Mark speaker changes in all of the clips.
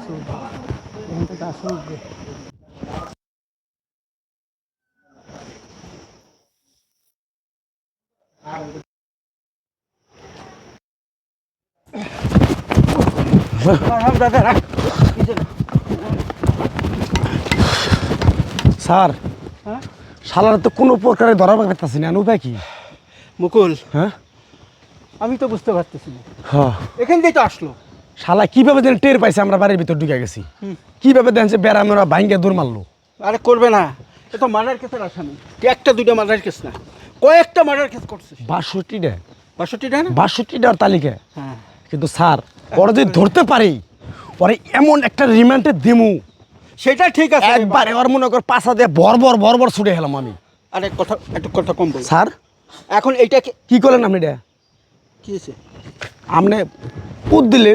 Speaker 1: Sir শালার তো কোনো প্রকারে ধরা পাইতেছি না, উপায় কি?
Speaker 2: মুকুল,
Speaker 1: হ্যাঁ
Speaker 2: আমি তো বুঝতে পারতেছি না,
Speaker 1: হ্যাঁ
Speaker 2: এখান দিয়ে তো আসলো।
Speaker 1: শালা কিভাবে যেন টের পাইছে আমরা বাড়ির ভিতর ঢুকে গেছি, কিভাবে দেখছে বেড়া মেরা ভাঙ্গে দূর মারলো।
Speaker 2: আরে করবে না, এ তো মার্ডার কেসের আসামি। একটা দুইটা মার্ডার কেস না, কয়েকটা মার্ডার কেস করছে।
Speaker 1: 62টা
Speaker 2: 62টা না?
Speaker 1: 62টার তালিকা।
Speaker 2: হ্যাঁ,
Speaker 1: কিন্তু স্যার ওরা যদি ধরতে পারি পরে এমন একটা রিমান্ডে দিমু,
Speaker 2: সেটা ঠিক আছে।
Speaker 1: একবারে ওর মনে কর পাশা দিয়ে বর্বর বর্বর ছুটে গেলাম আমি।
Speaker 2: আরে কথা একটু কথা কম বল
Speaker 1: স্যার।
Speaker 2: এখন এইটাকে
Speaker 1: কি করলেন আপনি? এটা
Speaker 2: কি হয়েছে?
Speaker 1: আপনি পুত দিলেন।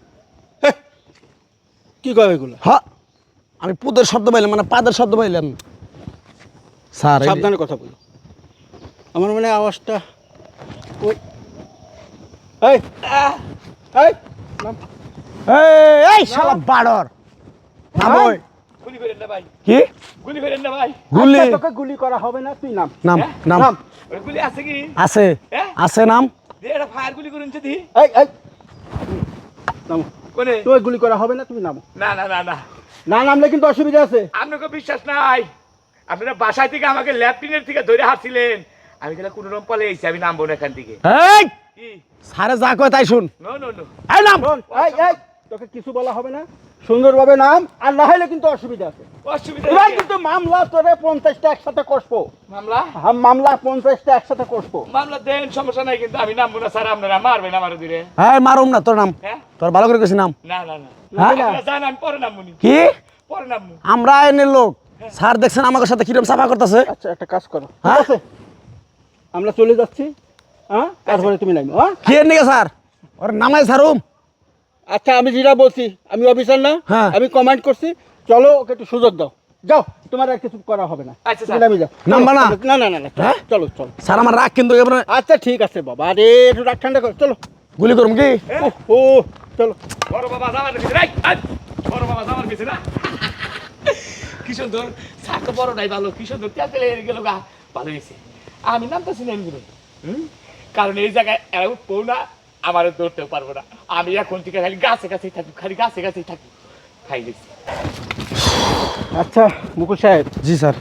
Speaker 2: কি কবে এগুলো?
Speaker 1: হ্যাঁ, আমি পুদের শব্দ পাইলাম, মানে পাদের শব্দ পাইলাম। স্যার
Speaker 2: সাবধানে কথা বলো, আমার মনে হয় আওয়াজটা ওই এই এই নাম।
Speaker 1: এই শালা বাড়র নাম। ওই
Speaker 3: গুলি করেন না ভাই,
Speaker 1: কি
Speaker 3: গুলি করেন না ভাই।
Speaker 1: গুলি?
Speaker 2: আচ্ছা, তোকে গুলি করা হবে না, তুই নাম।
Speaker 1: নাম নাম
Speaker 2: নাম।
Speaker 3: ওই গুলি আছে কি?
Speaker 1: আছে
Speaker 3: হ্যাঁ?
Speaker 1: আছে নাম।
Speaker 3: দে এটা ফায়ার গুলি করুন যদি।
Speaker 2: এই এই নামো।
Speaker 3: কোনে?
Speaker 2: তোকে গুলি করা হবে না, তুমি নামো।
Speaker 3: না না না না,
Speaker 2: না নামলে কিন্তু অসুবিধা আছে।
Speaker 3: আপনাকে বিশ্বাস নাই। আপনারা বাসায় থেকে আমাকে ল্যাপটিনের থেকে ধরে হাঁটছিলেন, আমি গেলে কোনো রকম পালে এসেছি, আমি নামবো না এখান থেকে।
Speaker 1: এই
Speaker 3: কি?
Speaker 1: সারে যা কয় তাই শুন।
Speaker 3: নো নো নো,
Speaker 1: এই নাম।
Speaker 2: শোন, এই তোকে কিছু বলা হবে না, সুন্দরভাবে নাম, আর না হলে কিন্তু অসুবিধা আছে।
Speaker 3: অসুবিধা
Speaker 2: এবার
Speaker 3: নেই।
Speaker 2: কিন্তু মামলা তোরে 50টা একসাথে কষবো।
Speaker 3: মামলা
Speaker 2: মামলা 50টা একসাথে কষবো।
Speaker 3: মামলা দেন, সমস্যা নাই, কিন্তু আমি নামবো না স্যার। আপনারা মারবেন আমার দিলে।
Speaker 1: হ্যাঁ মারুম না, তোর নাম।
Speaker 3: হ্যাঁ?
Speaker 1: তোর ভালো করে কইছি নাম।
Speaker 3: না না না,
Speaker 1: হ্যাঁ?
Speaker 3: আপনারা জান, আমি পরে নামবো নি,
Speaker 1: কি
Speaker 3: পরে নামবো।
Speaker 1: আমরা এনের লোক? স্যার দেখছেন আমাদের সাথে কিরকম সাফা করতেছে।
Speaker 2: আচ্ছা, একটা কাজ করো, ঠিক
Speaker 1: হ্যাঁ?
Speaker 2: আছে? আমরা চলে যাচ্ছি, হ্যাঁ, তারপরে তুমি নামো। হ্যাঁ,
Speaker 1: কি এর নিকে স্যার? ওর নামাই সারুম।
Speaker 2: আচ্ছা, আমি যেটা বলছি, আমি অফিসার না,
Speaker 1: হ্যাঁ।
Speaker 2: আমি কমান্ড করছি। চলো, ওকে একটু সুযোগ দাও। যাও, তোমার আর কিছু করা হবে না।
Speaker 3: আচ্ছা,
Speaker 2: তুমি
Speaker 3: স্যার।
Speaker 2: নামি যাও।
Speaker 1: নামবা না?
Speaker 2: না না না না,
Speaker 1: হ্যাঁ?
Speaker 2: চলো চলো।
Speaker 1: স্যার আমার রাগ কিন্তু এবার
Speaker 2: আচ্ছা ঠিক আছে বাবা, আরে একটু রাগ ঠান্ডা করো, চলো।
Speaker 1: গুলি করুম কি?
Speaker 2: ও চলো।
Speaker 3: বড় বাবা যাওয়ার পিছনে, এই, এই, বড় বাবা যাওয়ার পিছনে না। কি সুন্দর সাক, বড় নাই ভালো, কি সুন্দর তেল তেলে গেল গা, ভালো হয়েছে। আমি নামতেছি না এগুলো, কারণ এই জায়গায় এরা উঠবো না, আমার ধরতেও পারবো না। আমি এখন থেকে খালি গাছে গাছেই থাকি, খালি গাছে গাছেই থাকি, খাই গেছি।
Speaker 2: আচ্ছা মুকুল সাহেব,
Speaker 1: জি স্যার।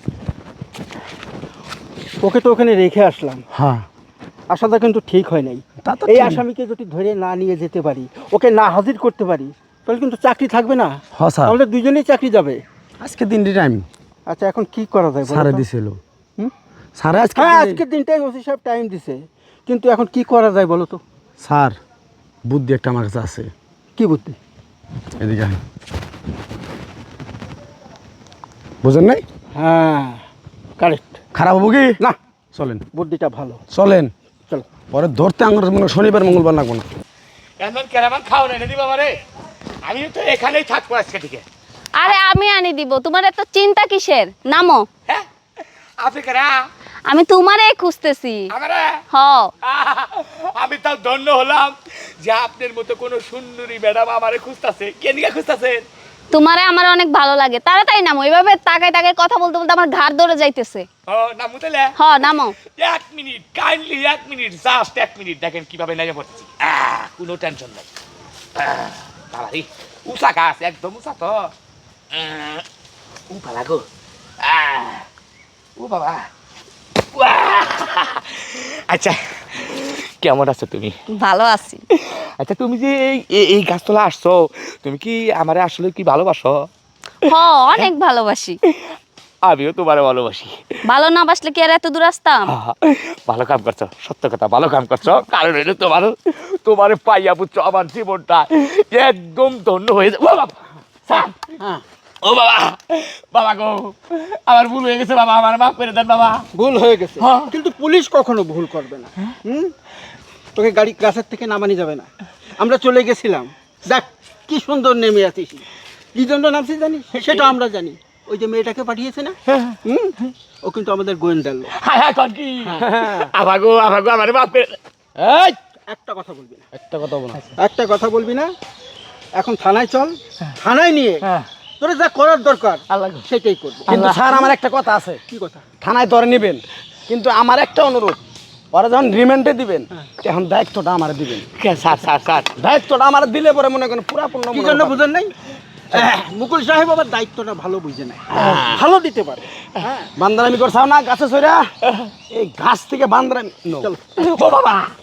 Speaker 2: ওকে তো ওখানে রেখে আসলাম,
Speaker 1: হ্যাঁ
Speaker 2: আসাটা কিন্তু ঠিক হয় নাই।
Speaker 1: তা তো
Speaker 2: এই
Speaker 1: ঠিক।
Speaker 2: আসামিকে যদি ধরে না নিয়ে যেতে পারি, ওকে না হাজির করতে পারি, তাহলে কিন্তু চাকরি থাকবে না।
Speaker 1: হ্যাঁ স্যার।
Speaker 2: আমাদের দুজনেই চাকরি যাবে।
Speaker 1: আজকে দিনটি টাইম
Speaker 2: আচ্ছা, এখন কি করা যায় বলো
Speaker 1: স্যারে
Speaker 2: তো?
Speaker 1: দিছিল।
Speaker 2: হুম?
Speaker 1: স্যারে আজকে
Speaker 2: হ্যাঁ, আজকের দিনটাই ওসি সাহেব টাইম দিছে, কিন্তু এখন কি করা যায় বলো তো?
Speaker 1: স্যার বুদ্ধি একটা আমার কাছে আছে।
Speaker 2: কি বুদ্ধি?
Speaker 1: এদিকে আয়। বুঝেন নাই?
Speaker 2: হ্যাঁ, কারেক্ট।
Speaker 1: খারাপ হবো কি?
Speaker 2: না,
Speaker 1: চলেন
Speaker 2: বুদ্ধিটা ভালো।
Speaker 1: চলেন।
Speaker 2: চলো।
Speaker 1: পরে ধরতে আমার মনে হয় শনিবার মঙ্গলবার লাগবো না।
Speaker 3: এমন কেরামান খাও না দি বাবা রে, আমি তো এখানেই থাকবো আজকে থেকে।
Speaker 4: আরে আমি আনি দিব, তোমার এত চিন্তা কিসের? নামো।
Speaker 3: হ্যাঁ, আপনি কেরা?
Speaker 4: আমি তোমারে খুঁজতেছি।
Speaker 3: আমারা
Speaker 4: হ।
Speaker 3: আমি তাও ধন্য হলাম যে আপনার মতো কোনো সুন্দরী ম্যাডাম আমারে খুঁজতাছে। কে নিয়ে খুঁজতাছেন?
Speaker 4: তোমারে আমার অনেক ভালো লাগে, তাড়াতাড়ি নামো। এভাবে তাকায় তাকায় কথা বলতে বলতে আমার ঘাড় ধরে যাইতেছে।
Speaker 3: ও নামু তাহলে?
Speaker 4: হ, নামো।
Speaker 3: 1 minute, kindly 1 minute, just 1 minute, দেখেন কিভাবে নেমে পড়ছি। কোনো টেনশন নাই। বাবা রে, উষা গাছ, একদম উষা তো। ভালো গো। ও বাবা। আচ্ছা, কেমন আছো তুমি?
Speaker 4: ভালো আছি।
Speaker 3: আচ্ছা, তুমি যে এই গাছতলা আসছো, তুমি কি আমারে আসলে কি ভালোবাসো?
Speaker 4: হ, অনেক ভালোবাসি।
Speaker 3: আমিও তোমারে ভালোবাসি।
Speaker 4: ভালো না বাসলে কি আর এত দূর আসতাম?
Speaker 3: ভালো কাম করছো, সত্য কথা, ভালো কাম করছো। কারণ হইলো তোমারে পাইয়া পুত্র আমার জীবনটা একদম ধন্য হয়ে যাবে। ও বাবা, স্যার,
Speaker 2: হ্যাঁ,
Speaker 3: ও বাবা, বাবা গো, আমার ভুল হয়ে গেছে বাবা, আমার মাফ করে দেন বাবা।
Speaker 2: ভুল হয়ে গেছে,
Speaker 3: হ্যাঁ।
Speaker 2: কিন্তু পুলিশ কখনো ভুল করবে না। তোকে গাড়ি গাছের থেকে নামানি যাবে না। আমরা চলে গেছিলাম, দেখ কি সুন্দর নেমে আছিস। কি জন্য নামছিস জানিস? সেটা আমরা জানি। ওই যে মেয়েটাকে পাঠিয়েছে না, ও কিন্তু আমাদের গোয়েন্দার লোক।
Speaker 3: হায় হায়, কন কি? আভাগো আমার মাফ করে।
Speaker 1: এই
Speaker 2: একটা কথা বলবি না,
Speaker 1: একটা কথা বলো।
Speaker 2: একটা কথা বলবি না। এখন থানায় চল, থানায় নিয়ে
Speaker 3: হ্যাঁ
Speaker 2: তোরা যা করার দরকার
Speaker 3: আল্লাহ
Speaker 2: সেটাই করবো।
Speaker 1: কিন্তু স্যার আমার একটা কথা আছে,
Speaker 2: কি কথা?
Speaker 1: থানায় ধরে নেবেন, কিন্তু আমার একটা অনুরোধ, ওরা যখন রিমান্ডে দিবেন তখন দায়িত্বটা আমার দিবেন।
Speaker 3: স্যার স্যার স্যার
Speaker 1: দায়িত্বটা আমার দিলে পরে মনে করেন পুরাপূর্ণ
Speaker 2: কি জন্য বুঝেন নাই? মুকুল সাহেব আবার দায়িত্বটা ভালো বুঝে নেয়, ভালো দিতে পারে। হ্যাঁ
Speaker 1: বান্দারামি করছাও না গাছে সইরা, এই গাছ থেকে বান্দারামি
Speaker 2: চলো।
Speaker 3: ও বাবা